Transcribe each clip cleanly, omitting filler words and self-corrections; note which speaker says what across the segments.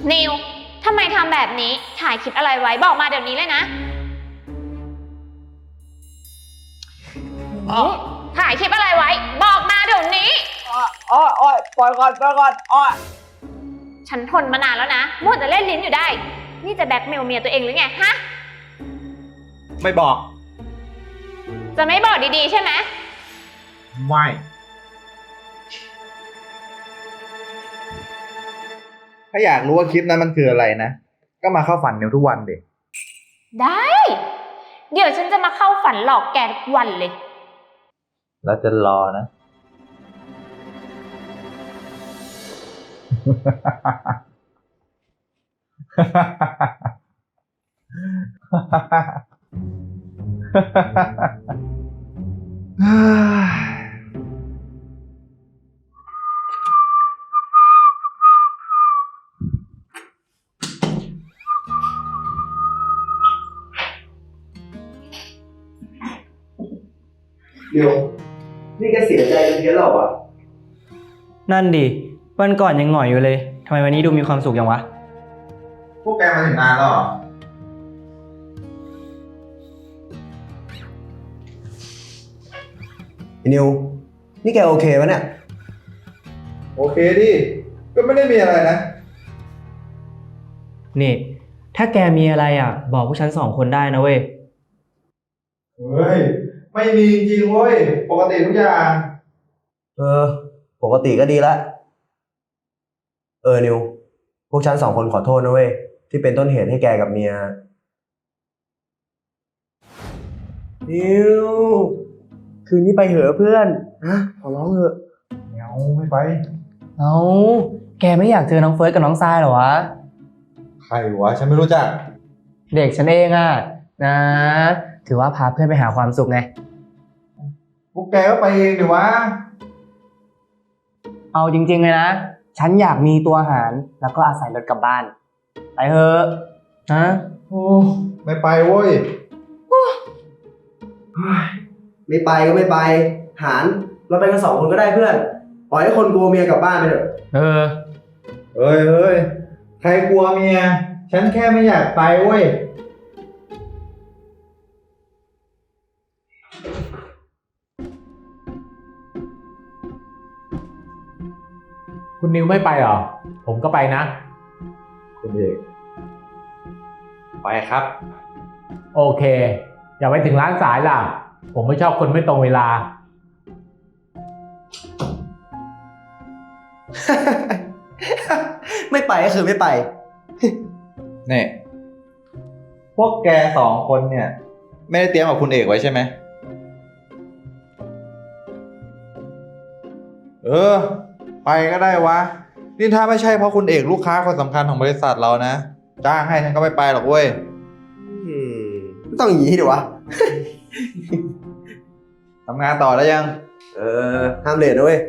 Speaker 1: นิวทำไมทำแบบนี้ถ่ายคลิปอะไรไว้บอกมาเดี๋ยวนี้เลยนะถ่ายคลิปอะไรไว้บอกมาเดี๋ยวนี้
Speaker 2: อ้อยปล่อยก่อนอ้อย
Speaker 1: ฉันทนมานานแล้วนะมัวแต่เล่นลิ้นอยู่ได้นี่จะแบล็คเมลเมียตัวเองหรือไงฮะ
Speaker 2: ไม่บอก
Speaker 1: จะไม่บอกดีๆใช่ไหม
Speaker 2: ไม่ถ้าอยากรู้ว่าคลิปนั้นมันคืออะไรนะก็มาเข้าฝันนิวทุกวันดิ
Speaker 1: ได้ เดี๋ยวฉันจะมาเข้าฝันหลอกแกทุกวันเลย
Speaker 2: แล้วจะรอนะ
Speaker 3: เดี๋ยวนี่แกเสียใจเป็นเพี้ยนหรอวะ
Speaker 4: นั่นดิวันก่อนยังหงอยอยู่เลยทำไมวันนี้ดูมีความสุขอย่างวะ
Speaker 2: พวกแกมาถึงนานแล้วเหรอ
Speaker 3: นิวนี่แกโอเคปะเนี่ย
Speaker 2: โอเคดิก็ไม่ได้มีอะไรนะ
Speaker 4: นี่ถ้าแกมีอะไรอ่ะบอกพวกฉัน2 คนได้นะเว้ย
Speaker 2: เฮ้ยไม่มีจริงเว้ยปกติทุกอย่าง
Speaker 3: ปกติก็ดีละนิวพวกฉัน2 คนขอโทษนะเว้ยที่เป็นต้นเหตุให้แกกับเมียนิวคืนนี้ไปเหอะเพื่อนนะขอร้องเถอะ
Speaker 2: ไม่ไป
Speaker 4: เอาแกไม่อยากเจอน้องเฟิร์สกับน้องทรายเหรอวะ
Speaker 2: ใครวะฉันไม่รู้จัก
Speaker 4: เด็กฉันเองอ่ะนะถือว่าพาเพื่อนไปหาความสุขไง
Speaker 2: พวกแกก็ไปเองดิวะ
Speaker 4: เอาจริงๆเลยนะฉันอยากมีตัวหารแล้วก็อาศัยรถกลับบ้านไปเถอะนะ
Speaker 2: โอ้ไม่ไปเว้ย
Speaker 3: ไม่ไปก็ไม่ไปหารเราไปกัน2 คนก็ได้เพื่อนปล่อยให้คนกลัวเมียกลับบ้านไปเถอะ
Speaker 4: เ
Speaker 2: เฮ้ยใครกลัวเมียฉันแค่ไม่อยากไปเว้ย
Speaker 5: คุณนิวไม่ไปเหรอผมก็ไปนะ
Speaker 2: คุณเอกไปครับ
Speaker 5: โอเคอย่าไปถึงร้านสายล่ะผมไม่ชอบคนไม่ตรงเวลา
Speaker 3: ไม่ไปก็คือไม่ไป
Speaker 2: นี่พวกแก2 คนเนี่ยไม่ได้เตรียมกับคุณเอกไว้ใช่ไหมไปก็ได้วะนี่ถ้าไม่ใช่เพราะคุณเอกลูกค้าคนสำคัญของบริษัทเรานะจ้างให้ฉันก็ไม่ไปหรอกเว้ย
Speaker 3: ไม่ต้องอย่างนี้ดิวะ
Speaker 2: ทำงานต่อแล้วยัง
Speaker 3: ห้ามเลทนะเว้ย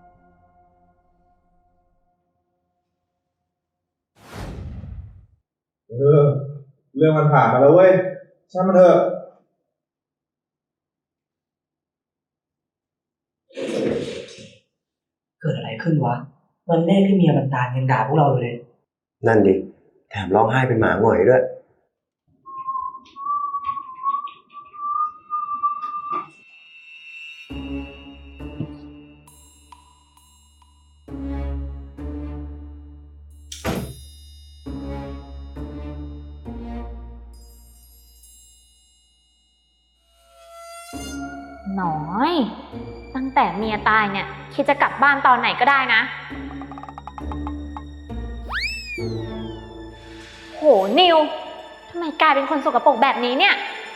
Speaker 2: เรื่องมันผ่านมาแล้วเว้ยช่างมันเถอะ
Speaker 4: เกิดอะไรขึ้นวะวันแรกที่เมียมันตายยังด่าพวกเราอยู่เลย
Speaker 3: นั่นดิแถมร้องไห้เป็นหมาหงอยด้วย
Speaker 1: น้อยตั้งแต่เมียตายเนี่ยคิดจะกลับบ้านตอนไหนก็ได้นะโหนิวทำไมกลายเป็นคนสกปรกแบบนี้เนี่ย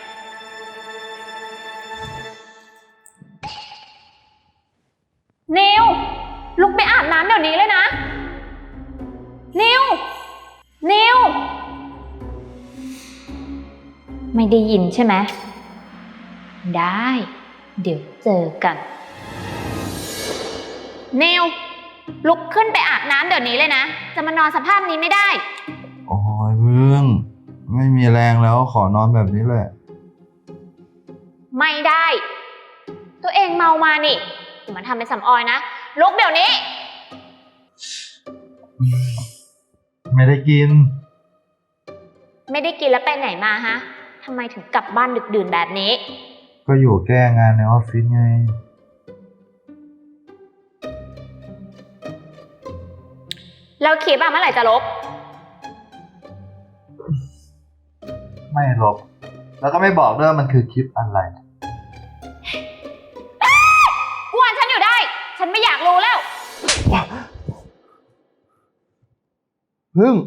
Speaker 1: นิวลุกไปอาบน้ำเดี๋ยวนี้เลยนะนิวไม่ได้ยินใช่ไหมได้เดี๋ยวเจอกันนิวลุกขึ้นไปอาบน้ำเดี๋ยวนี้เลยนะจะมานอนสภาพนี้ไม่ได้
Speaker 2: โอ้ยเพื่อนไม่มีแรงแล้วขอนอนแบบนี้เลย
Speaker 1: ไม่ได้ตัวเองเมามานี่อย่ามาทำเป็นสำออยนะลุกเดี๋ยวนี้
Speaker 2: ไม่ได้กิน
Speaker 1: ไม่ได้กินแล้วไปไหนมาฮะทำไมถึงกลับบ้านดึกดื่นแบบนี้
Speaker 2: ก็อยู่แก้งานในออฟฟิศไง
Speaker 1: แล้วคลิปอะเมื่อไหร่จะลบ
Speaker 2: ไม่ลบ แล้วก็ไม่บอกด้วยว่ามันคือคลิปอะไร
Speaker 1: กวนฉันอยู่ได้ ฉันไม่อยากรู้แล้ว
Speaker 2: พึ่ง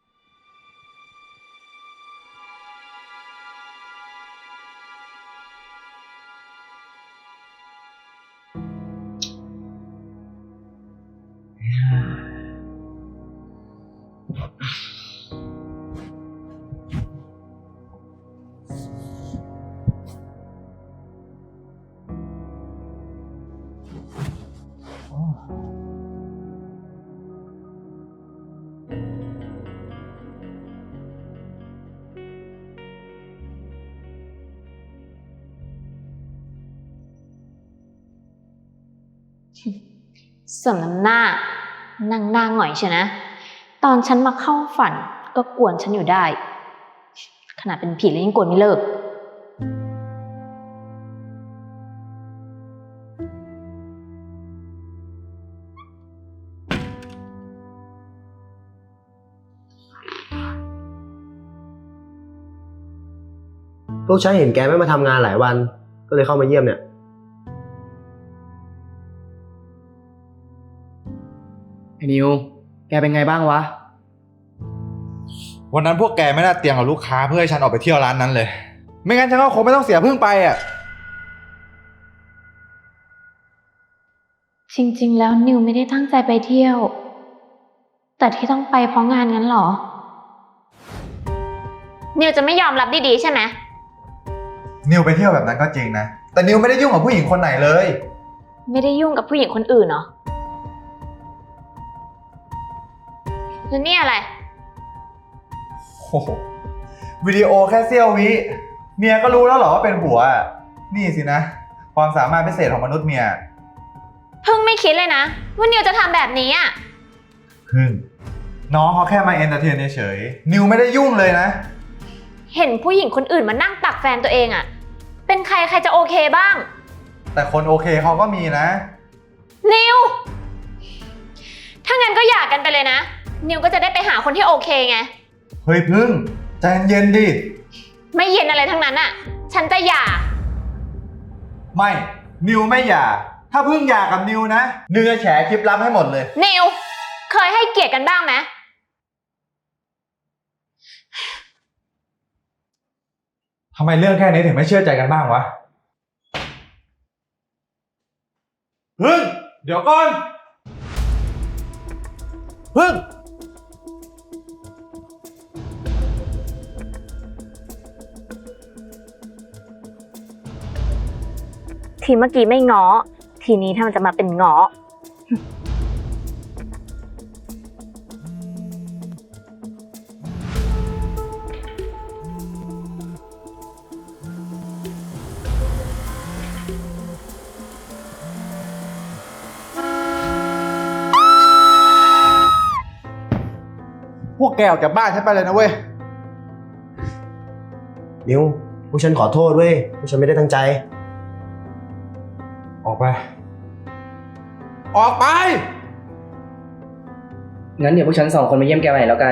Speaker 1: สมน้ำหน้า นั่งหน้าหงอยเชียวนะ ตอนฉันมาเข้าฝันก็กวนฉันอยู่ได้ ขนาดเป็นผีแล้วยังกวนไม่เลิก
Speaker 3: พวกฉันเห็นแกไม่มาทำงานหลายวัน ก็เลยเข้ามาเยี่ยมเนี่ย
Speaker 4: ไอ้นิว แกเป็นไงบ้างวะ
Speaker 2: วันนั้นพวกแกไม่น่าเตรียมกับลูกค้าเพื่อให้ฉันออกไปเที่ยวร้านนั้นเลย ไม่งั้นฉันก็คงไม่ต้องเสียพึ่งไปอ่ะ
Speaker 1: จริงๆ แล้วนิวไม่ได้ตั้งใจไปเที่ยว แต่ที่ต้องไปเพราะงานงั้นเหรอ นิวจะไม่ยอมรับดีๆใช่ไหม
Speaker 2: นิวไปเที่ยวแบบนั้นก็จริงนะ แต่นิวไม่ได้ยุ่งกับผู้หญิงคนไหนเลย
Speaker 1: ไม่ได้ยุ่งกับผู้หญิงคนอื่นเหรอ แล้วนี่อะไร
Speaker 2: โอ้โหวิดีโอแค่เสี้ยววิ เมียก็รู้แล้วเหรอว่าเป็นผัวอะนี่สินะ ความสามารถพิเศษของมนุษย์เมีย
Speaker 1: เพิ่งไม่คิดเลยนะ ว่านิวจะทำแบบนี้อ่ะ
Speaker 2: พึ่ง น้องเขาแค่มาเอนเตอร์เทนเฉยๆนิวไม่ได้ยุ่งเลยนะ
Speaker 1: เห็นผู้หญิงคนอื่นมานั่งตักแฟนตัวเองอ่ะ เป็นใครใครจะโอเคบ้าง
Speaker 2: แต่คนโอเคเขาก็มีนะ
Speaker 1: นิว ถ้างั้นก็หย่ากันไปเลยนะ นิวก็จะได้ไปหาคนที่โอเคไง
Speaker 2: เฮ้ยพึ่งใจเย็นๆดิ
Speaker 1: ไม่เย็นอะไรทั้งนั้นอ่ะ ฉันจะหย่า
Speaker 2: ไม่ นิวไม่หย่า ถ้าพึ่งหย่ากับนิวนะ นิวจะแฉคลิปลับให้หมดเลย
Speaker 1: นิว เคยให้เกียรติกันบ้างไหม
Speaker 2: ทำไมเรื่องแค่นี้ถึงไม่เชื่อใจกันบ้างวะ พึ่ง เดี๋ยวก่อน พึ่ง
Speaker 1: ทีเมื่อกี้ไม่ง้อ ทีนี้ถ้ามันจะมาเป็นง้อ
Speaker 2: พวกแกออกจากบ้านฉันไปเลยนะเว้ย
Speaker 3: นิว พวกฉันขอโทษเว้ย พวกฉันไม่ได้ตั้งใจ
Speaker 2: ออกไป ออกไป
Speaker 4: งั้นเดี๋ยวพวกฉัน2 คนมาเยี่ยมแกใหม่แล้วกัน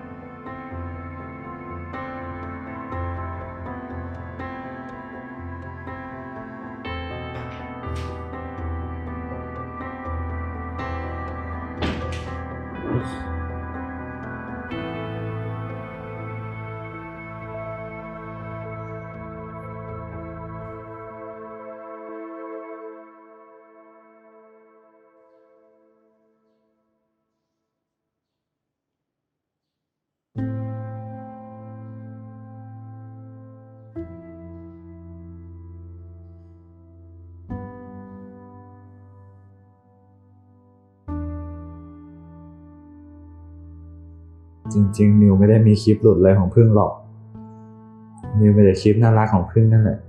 Speaker 2: จริงๆ นิวไม่ได้มีคลิปหลุดอะไรของพึ่งหรอก นิวมีแต่คลิปน่ารักของพึ่งนั่นแหละ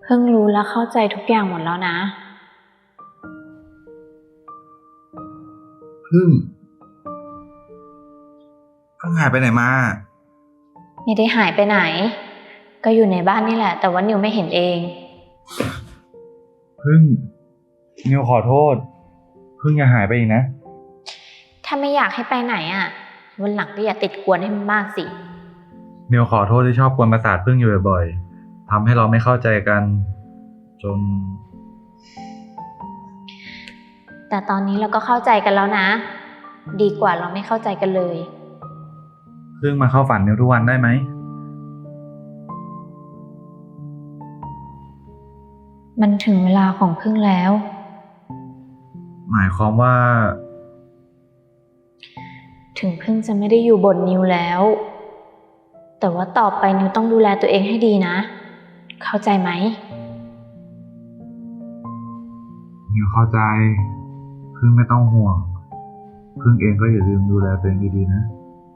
Speaker 1: เพิ่งรู้และเข้าใจทุกอย่างหมดแล้วนะ
Speaker 2: พึ่งหายไปไหนมา
Speaker 1: ไม่ได้หายไปไหน ก็อยู่ในบ้านนี่แหละ แต่ว่านิวไม่เห็นเอง
Speaker 2: พึ่งนิวขอโทษ พึ่งอย่าหายไปอีกนะ
Speaker 1: ถ้าไม่อยากให้ไปไหนอ่ะ วันหลังก็อย่าติดกวนให้มันมากสิ
Speaker 2: นิวขอโทษที่ชอบกวนประสาทพึ่งอยู่บ่อยๆทำให้เราไม่เข้าใจกัน จน
Speaker 1: แต่ตอนนี้เราก็เข้าใจกันแล้วนะ ดีกว่าเราไม่เข้าใจกันเลย
Speaker 2: พึ่งมาเข้าฝันนิวทุกวันได้ไหม
Speaker 1: มันถึงเวลาของพึ่งแล้ว
Speaker 2: หมายความว่า
Speaker 1: ถึงพึ่งจะไม่ได้อยู่บนนิวแล้ว แต่ว่าต่อไปนิวต้องดูแลตัวเองให้ดีนะ เข้าใจไหม
Speaker 2: นิวเข้าใจ พึ่งไม่ต้องห่วง พึ่งเองก็อย่าลืมดูแลตัวเองดีๆนะ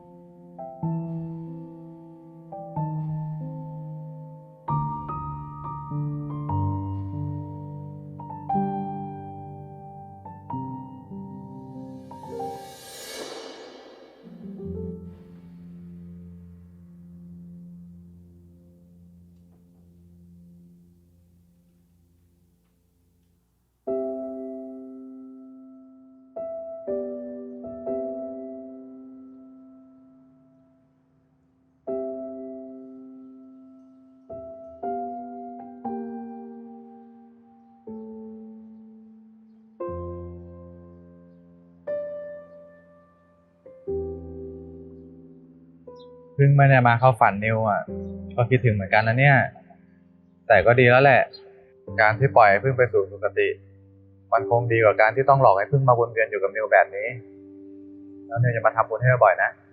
Speaker 2: พึ่งไม่ได้มาเข้าฝันนิวอ่ะ ก็คิดถึงเหมือนกันนะเนี่ย แต่ก็ดีแล้วแหละ การที่ปล่อยให้พึ่งไปสู่สุคติ มันคงดีกว่าการที่ต้องหลอกให้พึ่งมาวนเวียนอยู่กับนิวแบบนี้ แล้วนิวจะมาทำบุญให้บ่อยๆนะ